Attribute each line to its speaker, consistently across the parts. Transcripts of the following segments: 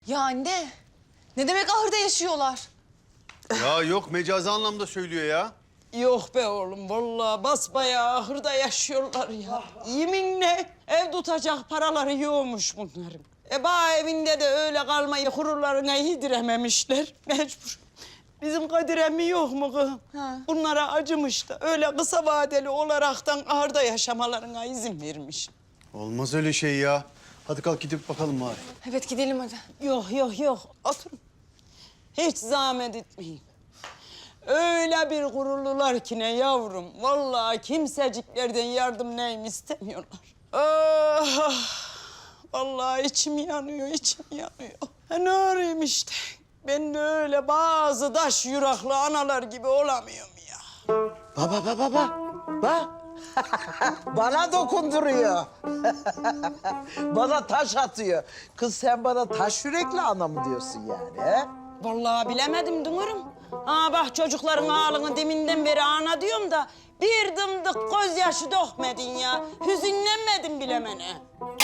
Speaker 1: Ya anne, ne demek ahırda yaşıyorlar?
Speaker 2: Ya yok mecazi anlamda söylüyor ya.
Speaker 3: Yok be oğlum, vallahi basbayağı ahırda yaşıyorlar ya. Yeminle ev tutacak paraları yokmuş bunların. Bağ evinde de öyle kalmayı gururlarına yedirememişler. Mecbur. Bizim Kadir emmi yok mu kız?
Speaker 1: Ha.
Speaker 3: Bunlara acımış da öyle kısa vadeli olaraktan ahırda yaşamalarına izin vermiş.
Speaker 2: Olmaz öyle şey ya. Hadi kalk gidip bakalım bari.
Speaker 1: Evet gidelim hadi.
Speaker 3: Yok. Oturun. Hiç zahmet etmeyin. Öyle bir gururlular ki ne yavrum. Vallahi kimseciklerden yardım neyim istemiyorlar. Ah, vallahi içim yanıyor. Ne arayayım işte. Ben de öyle bazı taş yürekli analar gibi olamıyorum ya.
Speaker 4: Bak. Bana dokunduruyor. Bana taş atıyor. Kız sen bana taş yürekli ana mı diyorsun yani he?
Speaker 3: Vallahi bilemedim Dünür'üm. Bak çocukların ağlını deminden beri ana diyorum da... ...bir dımdık gözyaşı dökmedin ya. Hüzünlenmedin bilemene.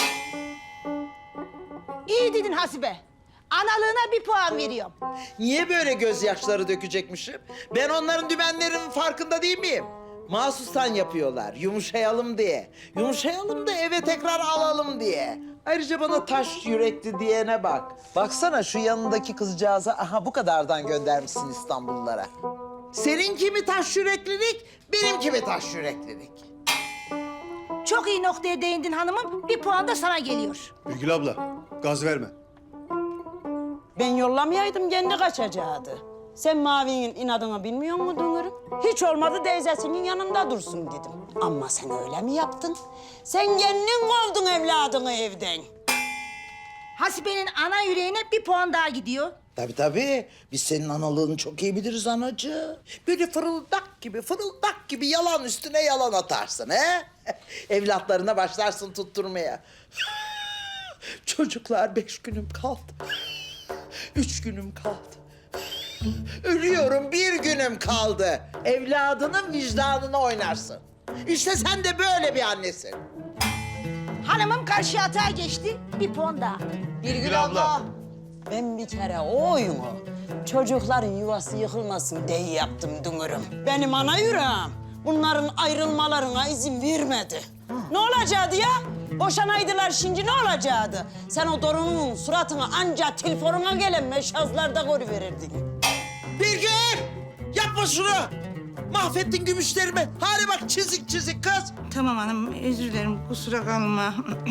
Speaker 5: İyi dedin Hasibe. Analığına bir puan veriyorum.
Speaker 4: Niye böyle gözyaşları dökecekmişim? Ben onların dümenlerinin farkında değil miyim? Mahsustan yapıyorlar, yumuşayalım diye. Yumuşayalım da eve tekrar alalım diye. Ayrıca bana taş yürekli diyene bak. Baksana şu yanındaki kızcağıza, aha bu kadardan göndermişsin İstanbullulara. Seninki mi taş yüreklilik, benimki mi taş yüreklilik?
Speaker 5: Çok iyi noktaya değindin hanımım. Bir puan da sana geliyor.
Speaker 2: Ülgül abla gaz verme.
Speaker 3: Ben yollamayaydım kendi kaçacaktı. Sen Mavi'nin inadını bilmiyor musun Dünür'üm? Hiç olmadı teyzesinin yanında dursun dedim. Ama sen öyle mi yaptın? Sen kendin kovdun evladını evden.
Speaker 5: Hasibe'nin ana yüreğine bir puan daha gidiyor.
Speaker 4: Tabii. Biz senin analığını çok iyi biliriz anacığım. Böyle fırıldak gibi yalan üstüne yalan atarsın he? Evlatlarına başlarsın tutturmaya. Çocuklar 5 günüm kaldı. 3 günüm kaldı. Ölüyorum 1 günüm kaldı. Evladının vicdanını oynarsın. İşte sen de böyle bir annesin.
Speaker 5: Hanımım karşı atağa geçti. Bir puan daha.
Speaker 1: Birgül abla.
Speaker 3: Ben bir kere o oyunu çocukların yuvası yıkılmasın diye yaptım Dünür'üm. Benim ana yüreğim bunların ayrılmalarına izin vermedi. Ne olacaktı ya? Boşanaydılar şimdi ne olacaktı? Sen o Dorun'un suratını anca telefonuna gelen meşazlarda görüverirdin.
Speaker 4: Birgül! Yapma şunu! Mahvettin gümüşlerimi. Hadi bak çizik kız.
Speaker 6: Tamam hanım, özür dilerim. Kusura kalma.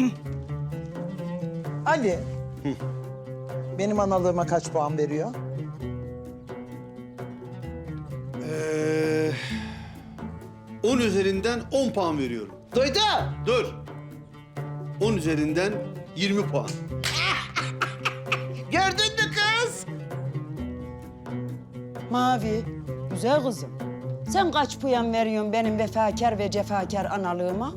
Speaker 4: Ali. Benim analığıma kaç puan veriyor?
Speaker 2: 10 üzerinden 10 puan veriyorum.
Speaker 4: Duydun?
Speaker 2: Dur. 10 üzerinden 20 puan.
Speaker 4: Gördün mü kız?
Speaker 3: Mavi, güzel kızım. Sen kaç puan veriyorsun benim vefakar ve cefakar analığıma?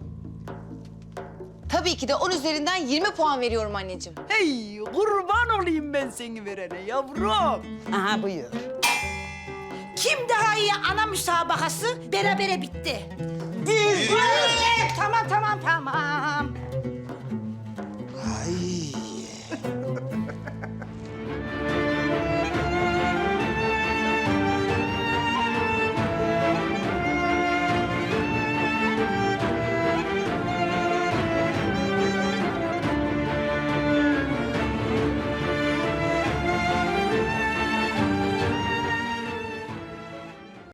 Speaker 1: Tabii ki de 10 üzerinden 20 puan veriyorum anneciğim.
Speaker 3: Hey, kurban olayım ben seni verene yavrum. Aha buyur.
Speaker 5: Kim daha iyi ana müsabakası berabere bitti.
Speaker 3: Biz
Speaker 5: Tamam.